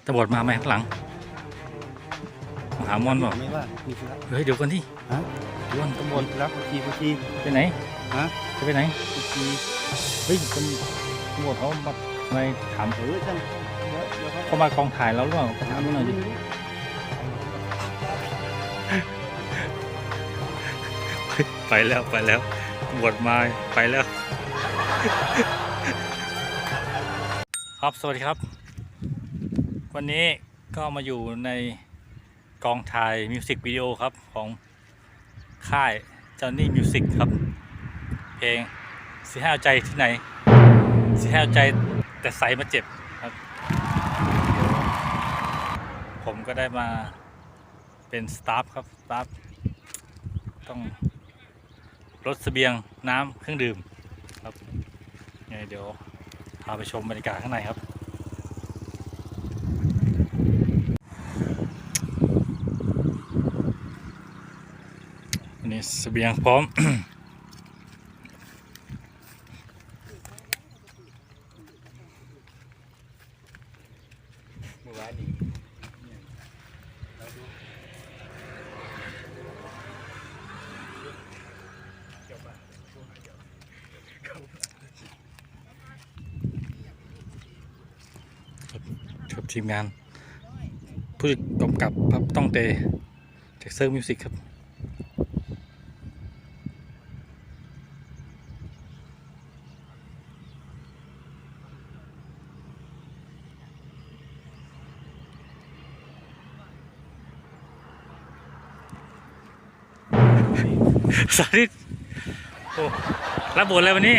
ตำรวจมาไหมข้างหลังมาหามอนบอกไม่ว่ามีธุระเฮ้ยเดี๋ยวกันที่ฮะเดี๋ยวก่อนตำรวจมีธุระพุชีไปไหนฮะจะไปไหนพุชีเฮ้ยตำรวจเขามาไม่ถามจังเขามากองถ่ายแล้วหรือเปล่าไปถามดูหน่อยดิไปแล้วตำรวจมาไปแล้วครับสวัสดีครับวันนี้ก็มาอยู่ในกองถ่ายมิวสิกวิดีโอครับของค่ายจอห์นนี่มิวสิกครับเพลงสิให้เอาใจที่ไหนสิให้เอาใจแต่ใส่มาเจ็บครับผมก็ได้มาเป็นสตาฟครับสตาฟต้องรถเสบียงน้ำเครื่องดื่มครับไงเดี๋ยวพาไปชมบรรยากาศข้างในครับอันนี้เสบียงพร้อมเมื่อวานนี้ครับทีมงานผู้กำกับครับต้องเตจากเซอร์มิวสิกครับสาธิตโอ้รับบทอะไรวันนี้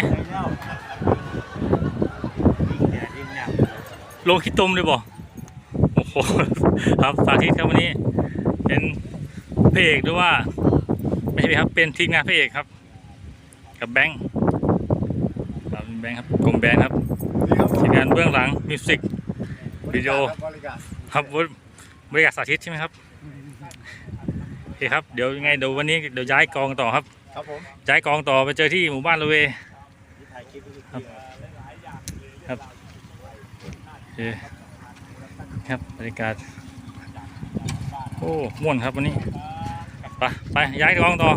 ลงขี้ตมเลยบ่โอ้โหครับสาธิตครับวันนี้เป็นพระเอกหรือว่าไม่ใช่ครับเป็นทีมงานพระเอกครับกับแบงค์ครับแบงค์ครับกลมแบงค์ครับทีมงานเบื้องหลังมิวสิกวิดีโอครับบริการสาธิตใช่ไหมครับโอเคครับเดี๋ยวยังไงเดี๋ยววันนี้เดี๋ยวย้ายกองต่อครับครับผมย้ายกองต่อไปเจอที่หมู่บ้านละเวครับโอเคครับบรรยากาศโอ้ม่วนครับวันนี้ไปย้ายกองต่อ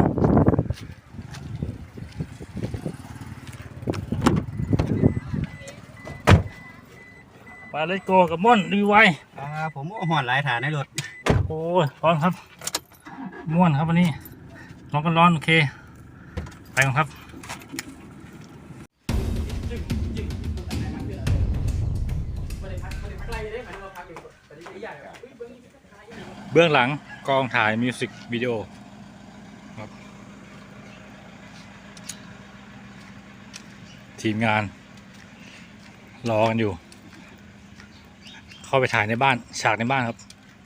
ไปเลยโกกับม่วนดีไวผมหอนหลายฐานในรถโอ้ยร้อนครับม่วนครับวันนี้ร้อนกันร้อนโอเคไปกันครับเบื้องหลังกองถ่ายมิวสิกวิดีโอครับทีมงานรอกันอยู่เข้าไปถ่ายในบ้านฉากในบ้านครับ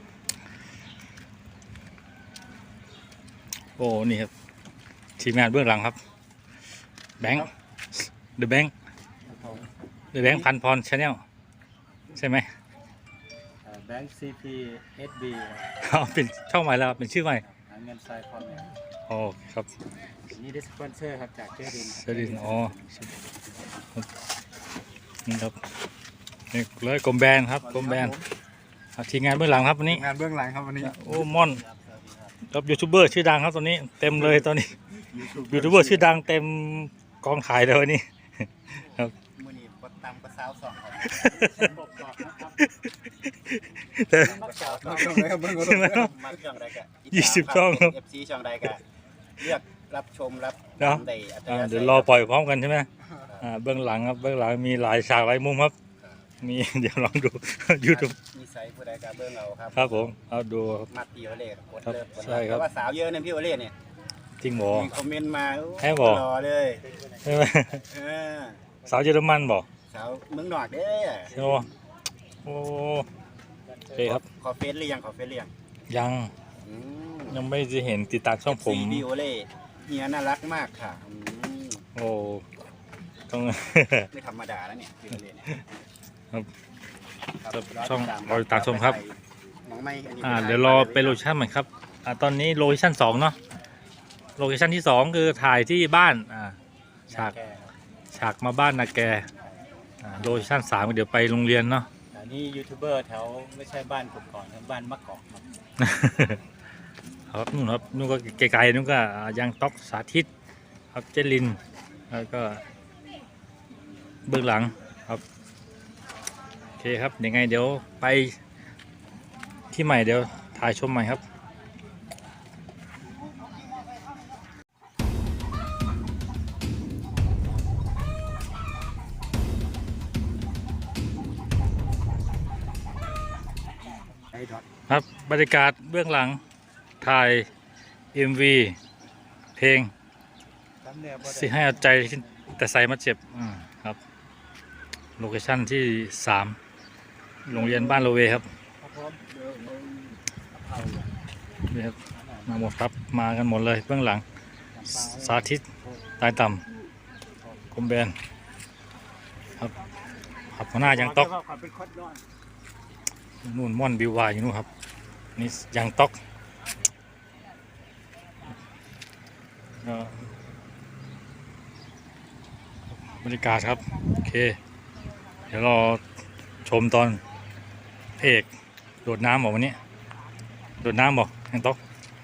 โอ้นี่ครับทีมงานเบื้องหลังครับแบงค์เดอะแบงค์พันพรชาแนลใช่ไหมแบงค์ซีพีเอสบีเขาเป็นช่องใหม่แล้วเป็นชื่อใหม่เงินทรายพรเนี่ยโอ้ครับนี่ได้สปอนเซอร์ครับจากเจดินเสดินอ๋อนี่ครับนี่เลยกลมแบนครับกลมแบนทีมงานเบื้องหลังครับวันนี้งานเบื้องหลังครับวันนี้โอ้ม่อนครับยูทูบเบอร์ชื่อดังครับตอนนี้เต็มเลยตอนนี้ยูทูบเบอร์ชื่อดังเต็มกองถ่ายเลยวันนี้ครับมือนี้บดตามกระซาวสองครับแต่มาช่องใดกัน 20 ช่องครับ FC ช่องใดกันเลือกรับชมรับเนาะได้อัตราเดี๋ยวรอปล่อยพร้อมกันใช่ไหมเบื้องหลังครับเบื้องหลังมีหลายฉากหลายมุมครับมี เดี๋ยวลองดู YouTube มีไซส์ผู้ใดกันเบื้องเราครับครับผมเอาดูมาตีโอเล่กดครับเลิฟใช่ครับว่าสาวเยอะเนี่ยพี่โอเล่เนี่ยจริงหมอมีคอมเมนต์มาให้บอกรอเลยใช่ไหมเออสาวเยอรมันบอกสาวเมืองนอกเด้อใช่ไหมโอ้โอเคครับขอเฟซหรือยังขอเฟซหรือยังยังอืมยังไม่ได้เห็นติดตามช่องผมพี่โอเล่เฮียน่ารักมากค่ะโอ้ต้องไม่ธรรมดาแล้วเนี่ยพี่โอเล่เนี่ยครับครับช่องรอติดตามชมครับน้องไม่อันนี้เดี๋ยวรอไปโลเคชั่นใหม่ครับตอนนี้โลเคชั่น2เนาะโลเคชั่นที่ 2 คือถ่ายที่บ้านฉากมาบ้านนาแกโลเคชั่น3เดี๋ยวไปโรงเรียนเนาะนนี่ยูทูบเบอร์แถวไม่ใช่บ้านผมก่อนนะบ้านมะกอกครับครับนู่นครับนู่นก็ไกลๆนู่นก็ยังต๊อกสาธิตครับเจลินแล้วก็เบื้องหลังครับโอเคครับยังไงเดี๋ยวไปที่ใหม่เดี๋ยวถ่ายชมใหม่ครับครับบรรยากาศเบื้องหลังถ่าย MV เพลงสิให้เอาใจแต่ใส่มาเจ็บครับโลเคชั่นที่3โรงเรียนบ้านโลเวครับนี่ครับมาหมดครับมากันหมดเลยเบื้องหลังสาธิตตายต่ำคมแบนครับขับหัวหน้ายังต๊อกนู่นม่อนบิววายอยู่นู่นครับนี่ยังต๊อกบรรยากาศครับโอเคเดี๋ยวรอชมตอนพระเอกโดดน้ำบอกวันนี้โดดน้ำบอกยังต๊อก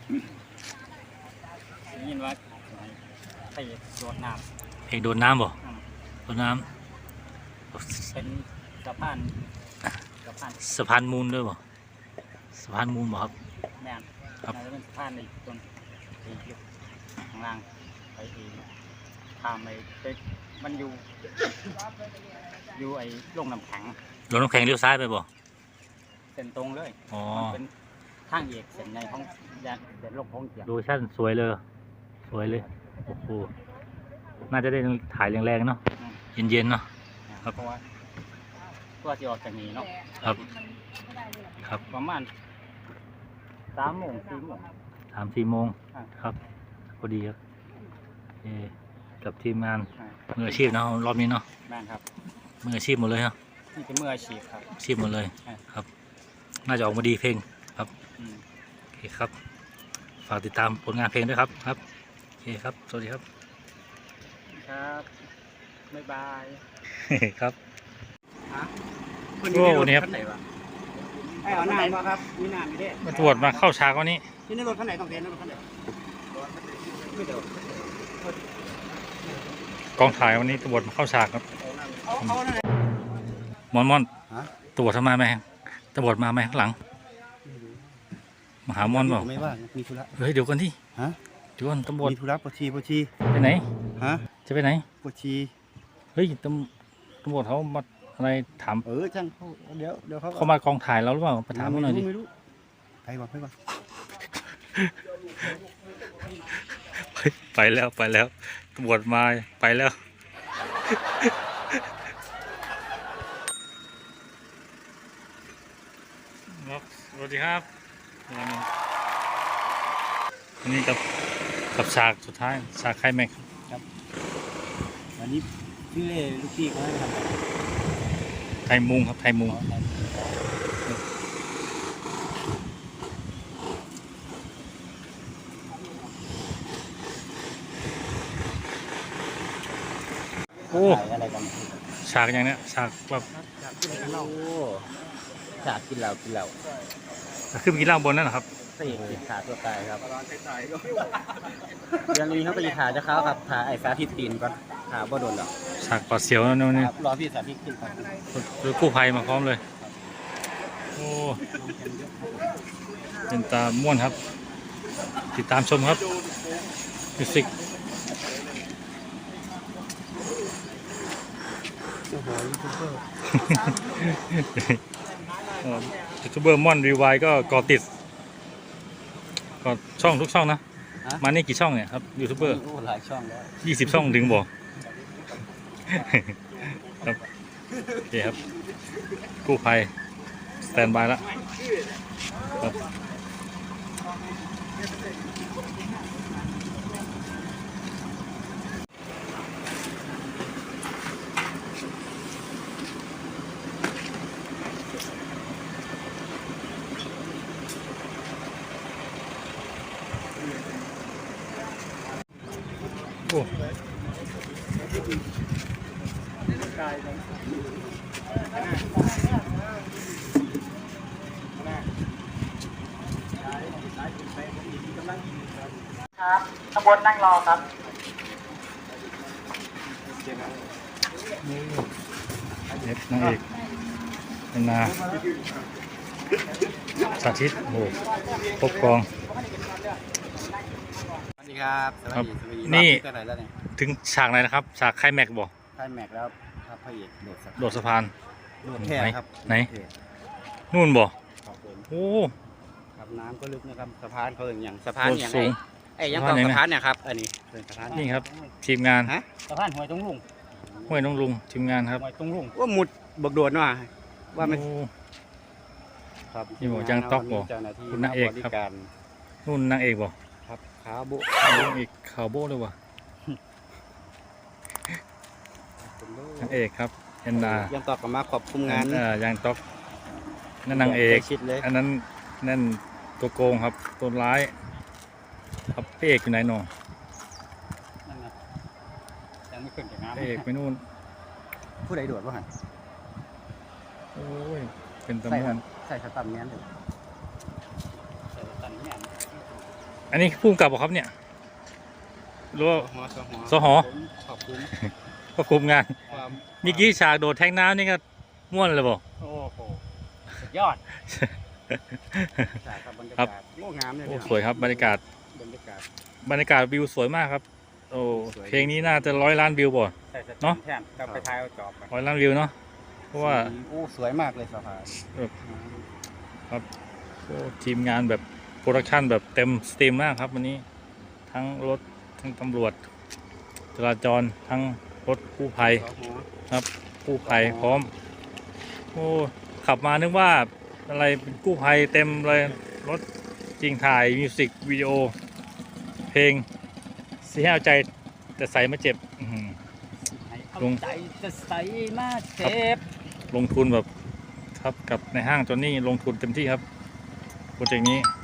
ได้ยินว่าไปโดดน้เอกโดดน้ำบอกโดดน้ำเป็นสะพานำสะพานมูลด้วยบอกสะพานมูลบอกครับแม่นครับน่าจะเป็นสะพานในตรงข้างล่างไปทางไปมันอยู่ไอ้โรงน้ำแข็งรถน้ำแข็งเลี้ยวซ้ายไปบอกเส้นตรงเลยอ๋อมันเป็นทางเอกเส้นในของยานเส้นโลกของเกียรติโลเคชั่นสวยเลยสวยเลยโอ้โหน่าจะได้ถ่ายแรงๆเนาะเย็นๆเนาะ ครับเพราะว่าตัวที่ออกจากนี้เนาะครับครับประมาณ3 โมง 4 โมง 3-4 โมงอ่าครับพอดีครับกับทีมงานอ่ามืออาชีพเนาะรอบนี้เนาะแม่นครับมืออาชีพหมดเลยครับนี่เป็นมืออาชีพครับอาชีพหมดเลยอ่าครับ น่าจะออกมาดีเพลงครับอืมโอเคครับ ฝากติดตามผลงานเพลงด้วยครับครับโอเคครับสวัสดีครับครับบ๊ายบายครับคนโอ้นี่ครับไหนวะไอ้เอาน้ำมาครับมีน้ำอยู่ด้วยมาตรวจมาเข้าฉากวันนี้ที่นี่รถคันไหนต้องเทนรถคันไหนไม่เดี๋ยวกองถ่ายวันนี้ตรวจมาเข้าฉากครับเอานั่นแหละม่อนฮะตรวจทำไมไหมตรวจมาไหมข้างหลังมาหาม่อนเปล่าไม่ว่างมีธุระเฮ้ยเดี๋ยวก่อนที่ฮะเดี๋ยวก่อนตำรวจมีธุระปวดชีไปไหนฮะจะไปไหนปวดชีเฮ้ยตำรวจเขามาอะไรถามช่างเขาเดี๋ยวเขาเขามากองถ่ายเราหรือเปล่าไปถามเขาหน่อยดิไม่รู้ไปก่อนไปแล้วตำรวจมาไปแล้วครับสวัสดีครับอันนี้กับฉากสุดท้ายฉากไคลแม็กซ์วันนี้พี่เล่ลูกพี่เขาให้ทำอะไรไทยมุงครับไทยมุงโอ้ถ่ายอะไรกันฉากอย่างเนี้ยฉากแบบฉากกินเหล้าขึ้นไปกินเหล้าบนนั่นเหรอครับพระเอกติดขาตัวตายครับยังมีเขาไปขาจะเข้าครับขาไอ้สาธิตตีนก่อนขาบ่โดนหรอกฉากปลอดเสียวนั่นนี่ครับรอพี่สาธิตขึ้นก่อนหรือกู้ภัยมาพร้อมเลยโอ้เป็นตาม่วนครับ ติดตามชมครับมิวสิกโอ้โหยูทูบเบอร์ยูทูบเบอร์ม่อนรีวายก็ก่อติดก็ช่องทุกช่องนะ มานี่กี่ช่องเนี่ยครับยูทูบเบอร์โอ้หลายช่องแล้ว 20 ช่องถึงบอก ครับโอเคครับกู้ภัยสแตนบายแล้วครับโอ้ครับข้างบนนั่งรอครับเด็ดนางเอกเป็นนาสาธิตโอ้โหครบกองสวัสดีครับสวัสดีสวัสดีนี่รอบที่เท่าไหร่แล้วเนี่ยถึงฉากไหนนะครับฉากไคลแม็กซ์บ่ค่ายแม็กแล้วครับพระเอกโดดสะโดดสะพานโดดแท่ครับไหนโดดแท่นู่นบ่ครับผมโอ้ครับน้ำก็ลึกนะครับสะพานเขาอย่างสะพานโดดอย่างสูงไอ้ยังสะพานก็ไหนนะสะพานเนี่ยครับอันนี้เป็นสะพานนี่ครับ ทีมงานฮะสะพานห้วยตรงลุงห้วยน้องลุงทีมงานครับห้วยตรงลุงว่าหมุดบักโดดว่ะว่ามันโอ้ครับนี่บอกจ้างต๊อกบ่เจ้าหน้าที่คุณนางเอกครับบริการนู่นนางเอกบ่ครับขาบุนางเอกขาวโบ้เลยว่ะนางเอกครับแอนนายังตอบกลับมาขอบคุมงานยางต๊อกนั่นนางเอกใกล้ชิดเลยอันนั้นนั่นตัวโกงครับตัวร้ายครับพระเอกอยู่ไหนหนอนั่นไงยังไม่ขึ้นจากพระน้ำเอกไปนู่นผู้ใดโดดวะฮะโอ้ยเป็นตะใส่ม่วนใส่สตัมเนี้ยเลยใส่สตัมเนี้ยอันนี้พุ่งกลับบ่ครับเนี่ยหรือว่า สหขอบคุณก็คุมงานความเมื่อกี้ฉากโดดแทงน้ำนี่ก็ม่วนเลยบ่โอ้โหสุดยอดใช่ครับบรรยาครักาบศโอ้งามเลยโอ้พี่น้องสวยครับบรรยากาศบรรยากาศบรรยากาศวิวสวยมากครับโอ้สวยเพลงนี้น่าจะ100 ล้านวิวบ่ใส่สตัเนาะมแทนกลับไปทายเอาจอบกัน 100 ล้านวิวเนาะเพราะว่าโอ้สวยมากเลยสะพานโอ้ทีมงานแบบโปรดักชั่นแบบเต็มสตรีมมากครับวันนี้ทั้งรถทั้งตำรวจจราจรทั้งรถกู้ภัยสหครับกู้ภัยพร้อมโอ้ขับมานึกว่าอะไรเป็นกู้ภัยเต็มเลยรถจริงถ่ายมิวสิกวิดีโอเพลงเสียเอาใจแต่ใส่มาเจ็บอื้อหือให้เอาลุงใจจะใส่มาเจ็บลงทุนแบบครับกับในห้างจอนนี่ลงทุนเต็มที่ครับโปรเจกต์นี้